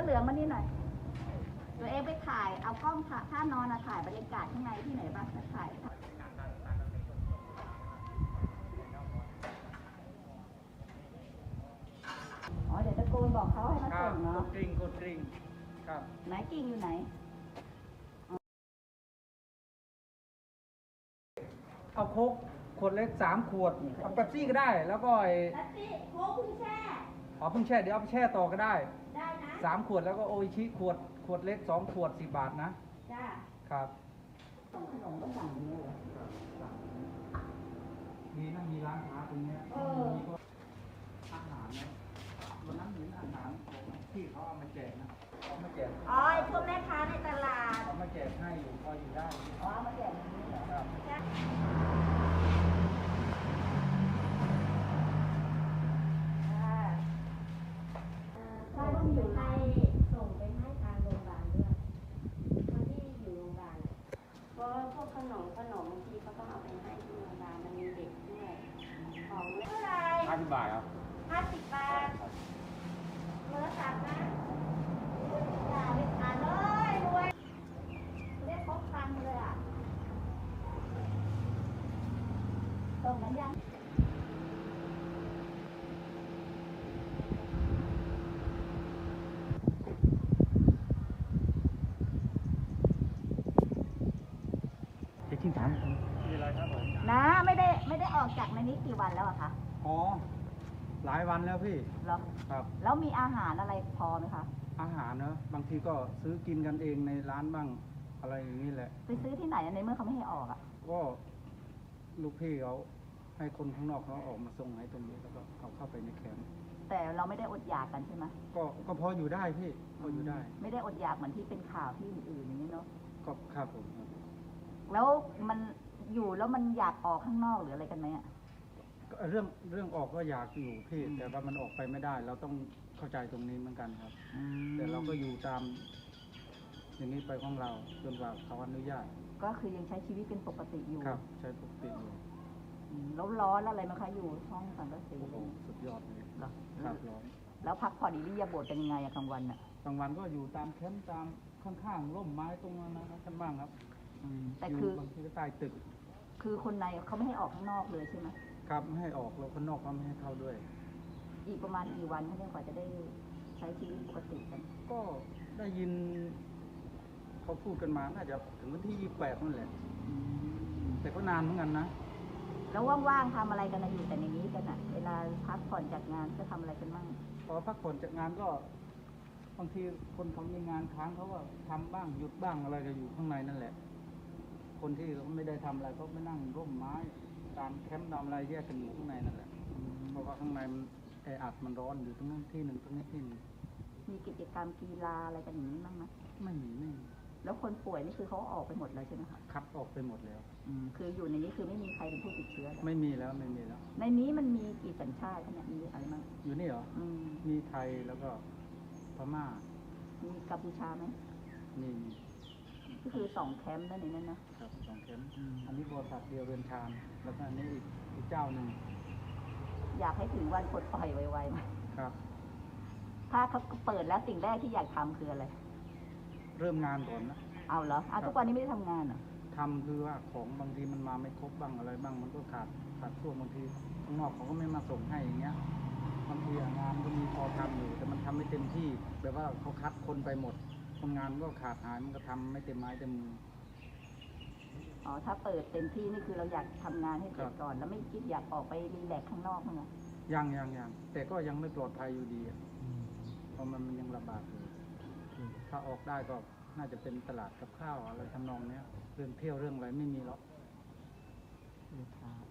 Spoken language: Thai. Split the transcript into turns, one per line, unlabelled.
เหลืองมานี่หน่อยตัวเองไปถ่ายเอากล้องท่านอนถ่ายบรรยากาศข้างในที่ไหนบ้างถ่ายอ๋อเดี๋ยวตะโกนบอกเขาให้มาส่งเนาะ
กดกริ่งครับ
ไหนกิ่งอยู่ไหน
เอาโค้กขวดเล็ก3 ขวดเอาเป๊ปซี่ก็ได้แล้วก็ไอ้
เป๊ปซี่โค้กพึ่งแช่
เพิ่งแช่เดี๋ยวเอาไปแช่ต่อก็ได้
ได้นะ
3 ขวดแล้วก็โออิชิขวดเล็ก2 ขวด10 บาทนะ
จ้า
ครับ
ส่งขนมต้องสั่งนี้เหรอ
มีร้านค้าตรงนี้มีก็อาหารนะวันนั้นเห็นอาหารที่เขาเอามาแจกนะเอามาแจก
อ๋อพวกแม่ค้าในตลาด
เอามาแจกให้อยู่พออยู่ได้
อ๋อมาแจกอย่างนี้เหรอ
ครับ
ถ้าต้องอยู่ในส่งไปให้ทางโรงพยาบาลด้วยคนที่อยู่โรงพยาบาลเพราะพวกขนมบางทีเขาต้องเอาไปให้ที่โรงพยาบาลมันมีเด็กด้วยของเท่าไหร่
50 บาทครับ
50 บาทโทรศัพท์นะ
อย่าไปอ่านเลยรวยเรียกครบตังค์เลยอ่ะส่งกันยัง
ที่ถามมีอะไรครับผม
นะไม่ได้ออกจากในนี้กี่วันแล้วอะคะ
อ๋อหลายวันแล้วพี่
เหรอ
ครับ
แล้วมีอาหารอะไรพอไหมคะ
อาหารเนอะบางทีก็ซื้อกินกันเองในร้านบ้างอะไรอย่างนี้แหละ
ไปซื้อที่ไหนในเมื่อเขาไม่ให้ออกอะ
ก็ลูกพี่เขาให้คนข้างนอกเขาออกมาส่งให้ตรงนี้แล้วก็เขาเข้าไปในแคมป์
แต่เราไม่ได้อดอยากกันใช่ไหม
ก็พออยู่ได้พี่พออยู่ได้
ไม่ได้อดอยากเหมือนที่เป็นข่าวที่อื่นๆอย่างนี้เนาะ
ก็ครับผม
แล้วมันอยู่แล้วมันอยากออกข้างนอกหรืออะไรกันไหมอะ
เรื่องออกก็อยากอยู่พี่แต่ว่ามันออกไปไม่ได้เราต้องเข้าใจตรงนี้เหมือนกันครับแต่เราก็อยู่ตามอย่างนี้ไปของเราจนกว่าเขาอนุญาต
ก็คือยังใช้ชีวิตเป็นปกติอยู่
ครับใช้ปกติอยู่
แล้วร้อนอะไรไหมคะอยู่ห้องสังกะสี
สุดยอดเลยครับร้อน
แล้วพักผ่อนอิริยาบถเป็นยังไงอะกลางวันอะ
กลางวันก็อยู่ตามแคมป์ตามข้างๆร่มไม้ตรงนั้นนะครับท่านบ้างครับ
แต่คื
อบางทีก็ใต้ตึก
คือคนในเขาไม่ให้ออกข้างนอกเลยใช่ไหม
ครับไม่ให้ออกแล้วคนนอกก็ไม่ให้เข้าด้วย
อีกประมาณกี่วันถ้าเนี่ยกว่าจะได้ใช้ชีวิตปกติกัน
ก็ได้ยินเขาพูดกันมาน่าจะถึงวันที่28นั่นแหละแต่ก็นานเหมือนกันนะ
แล้วว่างๆทำอะไรกันนะอยู่แต่ในนี้กันอะเวลาพักผ่อนจากงานก็ทำอะไรกันบ้าง
พอพักผ่อนจากงานก็บางทีคนเขามีงานค้างเขาก็ทำบ้างหยุดบ้างอะไรก็อยู่ข้างในนั่นแหละคนที่เขาไม่ได้ทำอะไรเขาไม่นั่งร่มไม้ตามแคมป์ตามอะไรแยกกันอยู่ข้างในนั่นแหละเพราะว่าข้างในมันแออัดมันร้อนอยู่ตรงนั้นที่หนึ่งตรงนี้ที่หนึ่ง
มีกิจกรรมกีฬาอะไรกันอย่างนี้บ้างไหม
ไม่มี
แล้วคนป่วยนี่คือเขาออกไปหมดเลยใช่ไหมคะ
ครับออกไปหมดแล้ว
คืออยู่ในนี้คือไม่มีใครเป็นผู้ติดเชื้อ
ไม่มีแล้ว
ในนี้มันมีกี่สัญชาติเนี่ยมีอะไรบ้าง
อยู่นี่เหรอมีไทยแล้วก็พม่า
มีกัมพูชาไหม
มี
ก็คือ2 แคมป์นั่นเองนะครับ
2 แคมป์อันนี้บริษัทเดียวเรือนชานแล้วก็อันนี้อีกเจ้าหนึ่ง
อยากให้ถึงวันปลดปล่อยไวๆไหม
ครับ
ถ้าเขาเปิดแล้วสิ่งแรกที่อยากทำคืออะไร
เริ่มงานก่อนนะ
เอาเหรอทุกวันนี้ไม่ได้ทำงานเหรอ
ทำคือว่าของบางทีมันมาไม่ครบบ้างอะไรบ้างมันก็ขาดช่วงบางทีข้างนอกเขาก็ไม่มาส่งให้อย่างเงี้ยบางทีงานก็มีพอทำอยู่แต่มันทำไม่เต็มที่แบบว่าเขาคัดคนไปหมดคนงานก็ขาดหายมันก็ทำไม่เต็มไม้เต็มมือ
ถ้าเปิดเต็มที่นี่คือเราอยากทำงานให้เสร็จก่อนแล้วไม่คิดอยากออกไปรีแลกซ์ข้างนอกมั้งเหรอ
ยังแต่ก็ยังไม่ปลอดภัยอยู่ดีเพราะมันยังระบาดอยู่ถ้าออกได้ก็น่าจะเป็นตลาดกับข้าวอะไรทำนองนี้เรื่องเที่ยวเรื่องอะไรไม่มีหรอก